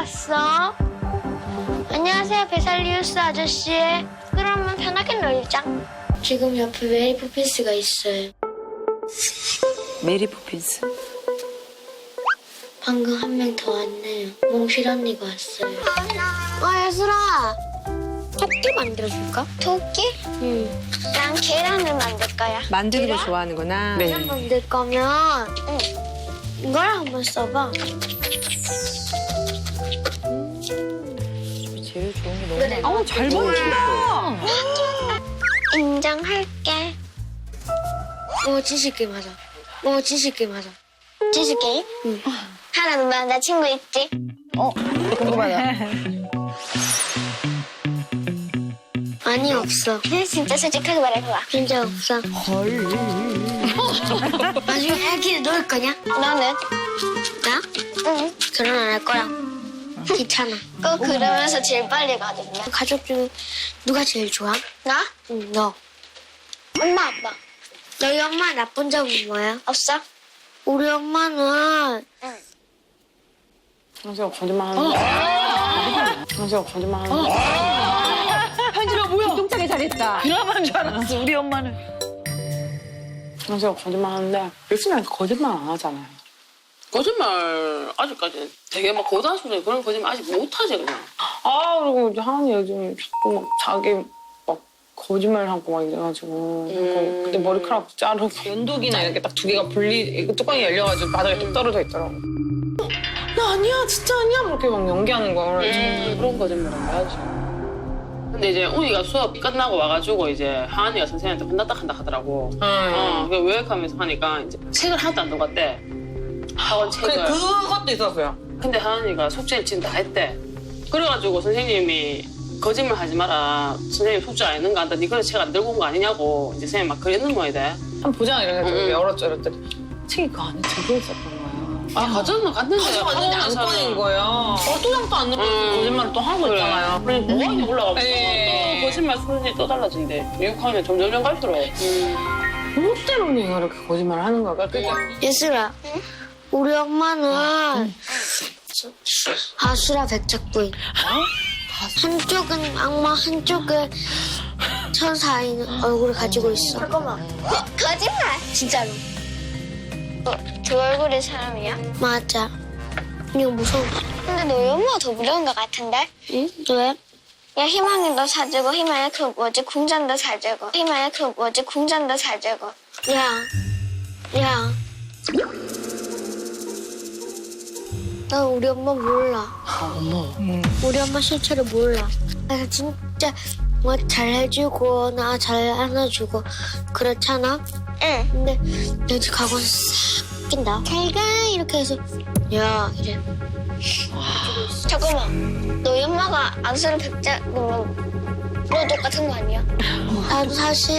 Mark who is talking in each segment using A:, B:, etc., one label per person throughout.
A: 왔어? 안녕하세요, 베살리우스 아저씨. 그러면 편하게 놀자. 지금 옆에 메리 포핀스가 있어요.
B: 메리 포핀스.
A: 방금 한 명 더 왔네요. 몽실 언니가 왔어요. 예슬아. 토끼 만들어줄까? 토끼? 응. 난 계란을 만들 거야.
C: 만드는 거 좋아하는구나.
B: 네.
A: 계란 만들 거면 이걸 한번 써봐.
B: 제일 좋은 게 너무
A: 그래.
B: 많아.
C: 어우, 잘 만든다.
A: 인정할게. 진실 게임 하자. 진실 게임 하자. 진실 게임? 응. 하나 누나 나 친구 있지?
B: 궁금하다.
A: 아니 없어. 진짜 솔직하게 말해봐. 진짜 없어.
C: 헐.
A: 나중에 애기 놀 거냐? 너는? 나? 응. 결혼 안 할 거야. 귀찮아. 꼭 그러면서 제일 빨리 가거든요. 가족 중에 누가 제일 좋아? 나? 응, 너. 엄마, 아빠. 너희 엄마 나쁜 점은 뭐야? 없어. 우리 엄마는
B: 현수가 거짓말하는 현수가 거짓말하는
C: 현지가 뭐야? 기똥차게 잘했다.
D: 드라마인 줄 알았어, 우리 엄마는.
B: 현수가 거짓말하는데 요즘에 거짓말 안 하잖아요.
E: 거짓말 아직까지 되게 막 고단수는 그런 거짓말 아직 못하지 그냥.
B: 그리고 이제 하은이 요즘 자꾸 막 자기 막 거짓말 하고 막 이래가지고 그때 머리카락 자르고 연독이나 이렇게 딱 두 개가 뚜껑이 열려가지고 바닥에 뚝 떨어져 있더라고. 나 아니야 진짜 아니야 그렇게 막 연기하는 거야.
E: 그런 거짓말은 해야지. 근데 이제 우이가 수업 끝나고 와가지고 이제 하은이가 선생님한테 혼났다 하더라고. 왜 하면서 하니까 이제 책을 하나도 안 들어갔대. 학원 책을.
B: 그것도 있었어요.
E: 근데 하은이가 숙제를 지금 다 했대. 그래가지고 선생님이 거짓말 하지 마라. 선생님 숙제 안 했는 거 안다. 니 그래서 책 안 들고 온 거 아니냐고 이제 선생님 막 그랬는 거야 돼.
B: 한번 보자 이래가지고 열었죠 이랬더니 책이 그 안에 들어있었던 거야.
E: 갔는데
B: 가져갔는데 안 꺼낸 거예요. 또장도 안 넣고 거짓말을 또 하고
E: 그래.
B: 있잖아요.
E: 그러니까 뭐하니 올라가고
B: 네.
E: 또 거짓말 수준이 또 달라진대. 미국하면 점점 갈수록.
B: 뭐 때문에 얘가 이렇게 거짓말을 하는 거야. 그러니까
A: 예슬아. 우리 엄마는 바수라 백작부인. 한쪽은 악마, 한쪽은 천사인 얼굴을 가지고 있어. 잠깐만. 거짓말. 진짜로. 두 얼굴의 사람이야? 맞아. 이거 무서워. 근데 너희 엄마가 더 무서운 것 같은데? 응? 왜? 야, 희망이도 사주고, 희망이 그 뭐지, 궁전도 사주고, 희망이 그 뭐지, 궁전도 사주고. 야. 나 우리 엄마 몰라. 우리 엄마 실체를 몰라. 그래서 진짜 뭐 잘해주고, 나 잘 안아주고, 그렇잖아? 응. 근데 여기 가고 싹 낀다. 잘 가, 이렇게 해서, 야, 이래. 잠깐만. 너희 엄마가 안수를 백작이면 너 똑같은 거 아니야? 나도 사실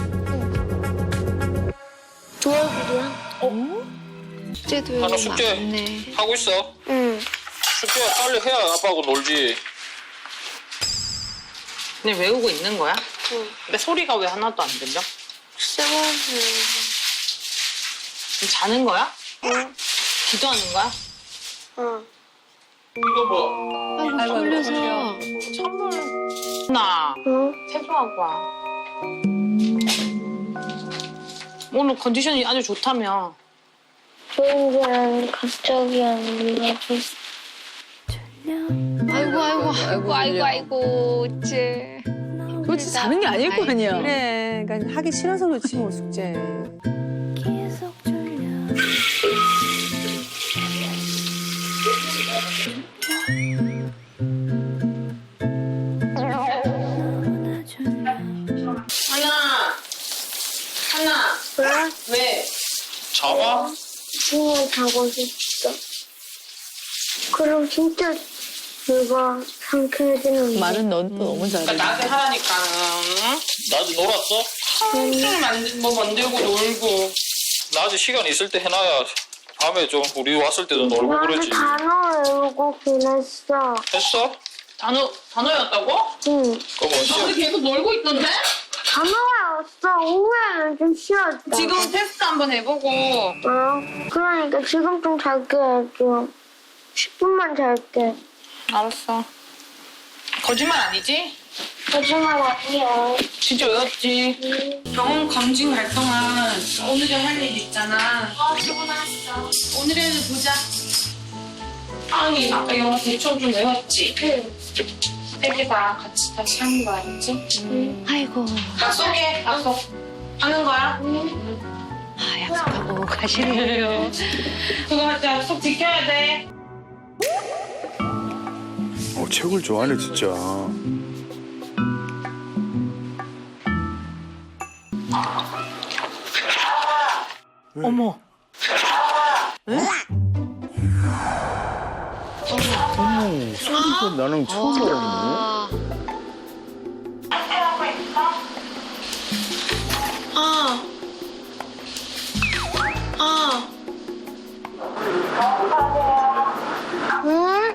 A: 두 얼굴이야.
C: 숙제도
F: 하나 숙제
C: 많네.
F: 하고 있어.
A: 응.
F: 숙제 빨리 해야 아빠하고 놀지.
B: 그냥 외우고 있는 거야?
A: 응.
B: 근데 소리가 왜 하나도 안 들려? 지금 자는 거야?
A: 응.
B: 기도하는 거야?
A: 응.
F: 이거 뭐?
C: 아이고, 졸려서.
B: 선물. 나
A: 응?
B: 세수하고 와. 오늘 컨디션이 아주 좋다며.
A: 좋은 줄 알았는데 갑자기 안 일어나고.
C: 아이고, 쟤.
D: 그렇지, 자는 게 아닐 거 아니야.
C: 그래, 그러니까 하기 싫어서 그렇지, 뭐, 숙제.
E: 하나.
A: 왜?
E: 왜?
F: 자봐?
A: 그냥 자고 싶어. 그럼 진짜 내가 상쾌해지는
D: 말은 넌 또 너무 잘해.
E: 그러니까 나한테 하라니까는.
F: 낮에 놀았어?
E: 좀 만들고 놀고.
F: 낮에 시간 있을 때 해놔야 밤에 좀 우리 왔을 때도 놀고
A: 나는
F: 그러지.
A: 단어 외우고 보냈어.
F: 했어?
E: 단어였다고?
A: 응.
F: 그럼 어찌?
E: 계속 놀고 있던데?
A: 단어가 없어. 오후에는 좀 쉬었다.
B: 지금 테스트 한번 해보고.
A: 그러니까 지금 좀 잘게 해줘. 10분만 잘게.
B: 알았어. 거짓말 아니지?
A: 거짓말 아니야.
B: 진짜 외웠지? 병원 검진 갈 동안 오늘은 할 일 있잖아.
A: 수고했어.
B: 오늘은 보자. 아니, 아까 영어 대충 좀 외웠지?
A: 응.
B: 세개다 같이 다시 하는 거 알지?
C: 아이고.
B: 약속해, 약속. 하는 거야?
C: 아, 약속하고 가시는군요.
B: 그거 맞지? 약속 지켜야 돼.
G: 책을 좋아하네 진짜.
D: 어머.
G: 소리가 나는 처음 알았네.
A: 응?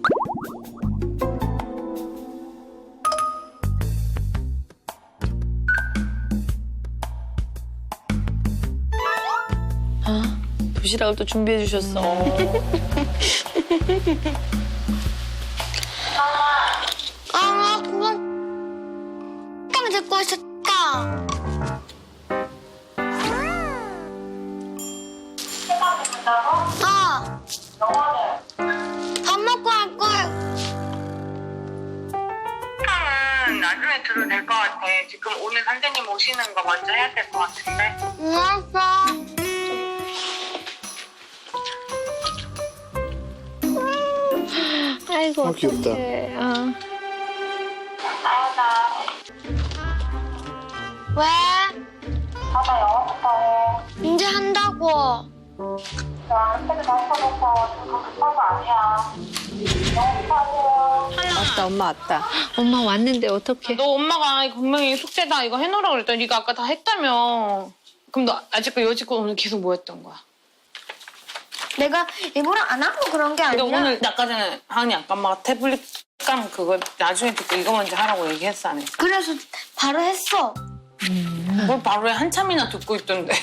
D: 도시락을 또 준비해 주셨어.
A: 나 그거 잠깐만 듣고 있었다. 밥 먹고 할 거야.
B: 나중에 들어도 될 것 같아. 지금 오늘 선생님 오시는 거 먼저 해야 될 것 같은데.
A: 응, 알았어. 아이고,
G: 귀엽다.
A: 어떡해. 왜?
H: 아빠 영어부터 해.
A: 이제 한다고.
H: 나 책을 다 써놓고 지금 급한 거 아니야. 영어부터 하세요.
C: 왔다, 엄마 왔다. 엄마 왔는데 어떡해.
B: 너 엄마가 분명히 숙제다 이거 해놓으라고 그랬더니 네가 아까 다 했다며. 그럼 너 아직도 여지껏 오늘 계속 뭐 했던 거야?
A: 내가 일부러 안 하고 그런 게
B: 근데
A: 아니라.
B: 오늘 아까 전에 하은이 아까 엄마가 태블릿 감 그거 나중에 듣고 이거 먼저 하라고 얘기했어 안 했어?
A: 그래서 바로 했어.
B: 뭘 바로 해 한참이나 듣고 있던데.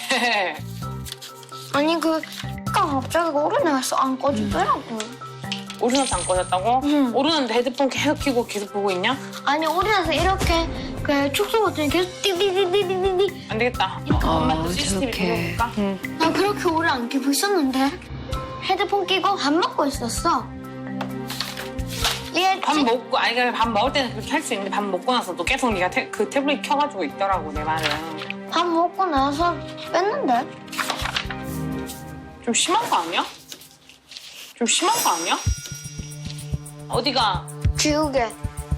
A: 아니 갑자기 오르내서 안 꺼지더라고.
B: 오르나서 안 꺼졌다고?
A: 응.
B: 오르는데 헤드폰 계속 켜고 계속 보고 있냐?
A: 아니 오르내서 이렇게 그 축소 버튼이 계속 띠디디디디디.
B: 안 되겠다. 엄마 또 CCTV
C: 저렇게.
B: 돌려볼까?
A: 나 그렇게 오래 안 끼고 있었는데 헤드폰 끼고 밥 먹고 있었어. 이해했지?
B: 밥 먹고 아니 그냥 밥 먹을 때는 그렇게 할 수 있는데 밥 먹고 나서도 계속 네가 그 태블릿 켜가지고 있더라고 내 말은.
A: 밥 먹고 나서 뺐는데.
B: 좀 심한 거 아니야? 좀 심한 거 아니야? 어디가?
A: 지우개.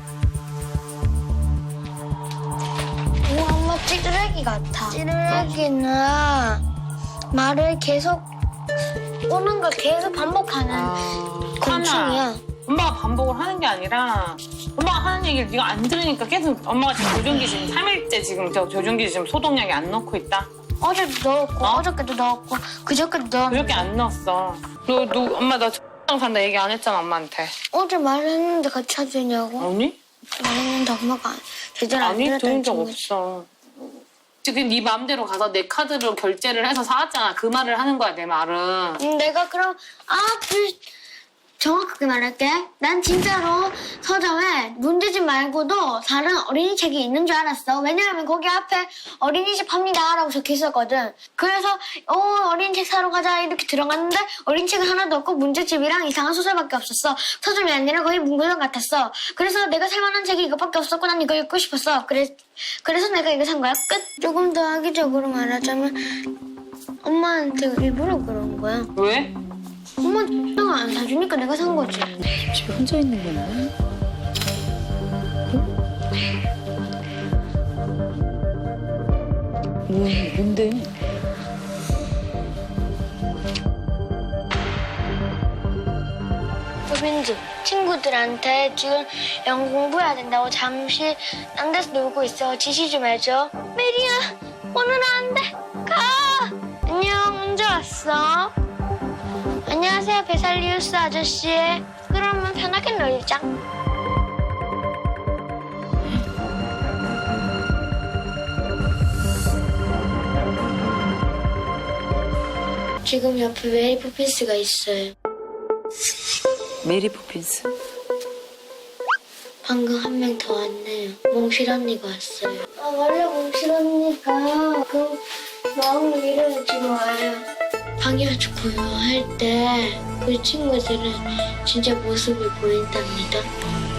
A: 이거 엄마 찌르레기 같아. 찌르레기는 말을 계속 오는 걸 계속 반복하는 곤충이야.
B: 엄마가 반복을 하는 게 아니라 엄마가 하는 얘기를 네가 안 들으니까 계속 엄마가 지금 조종기 지금 3일째 지금 저 조종기 지금 소독약이 안 넣고 있다.
A: 어제도 넣었고 어저께도 넣었고 그저께도 넣었고
B: 그렇게 안 넣었어. 너 엄마 나 X랑 산다 얘기 안 했잖아 엄마한테.
A: 어제 말했는데 같이 해주냐고.
B: 아니?
A: 말했는데 엄마가 제대로 안
B: 아니 들은
A: 들었다는
B: 적
A: 친구지.
B: 없어. 지금 네 마음대로 가서 내 카드로 결제를 해서 사왔잖아. 그 말을 하는 거야 내 말은.
A: 내가 그럼 정확하게 말할게. 난 진짜로 서점에 문제집 말고도 다른 어린이 책이 있는 줄 알았어. 왜냐하면 거기 앞에 어린이집 팝니다 라고 적혀 있었거든. 그래서 어린이책 사러 가자 이렇게 들어갔는데 어린이책은 하나도 없고 문제집이랑 이상한 소설밖에 없었어. 서점이 아니라 거의 문고전 같았어. 그래서 내가 살만한 책이 이것밖에 없었고 난 이거 읽고 싶었어. 그래서 내가 이거 산 거야. 끝. 조금 더 악의적으로 말하자면 엄마한테 일부러 그런 거야.
B: 왜?
A: 엄마 X가 안 사주니까 내가 산 거지.
D: 집에 혼자 있는 거네. 뭔데?
A: 소빈지 친구들한테 지금 영어 공부해야 된다고 잠시 딴 데서 놀고 있어. 지시 좀 해줘. 메리야 오늘은 안 돼. 가. 안녕 언제 왔어? 안녕하세요 베살리우스 아저씨. 그러면 편하게 놀자. 지금 옆에 메리 포핀스가 있어요.
D: 메리 포핀스.
A: 방금 한 명 더 왔네요. 몽실 언니가 왔어요. 원래 몽실 언니가 그 마음을 이래서 지금 와요. 방해하지 고요할 때 그 친구들은 진짜 모습이 보인답니다.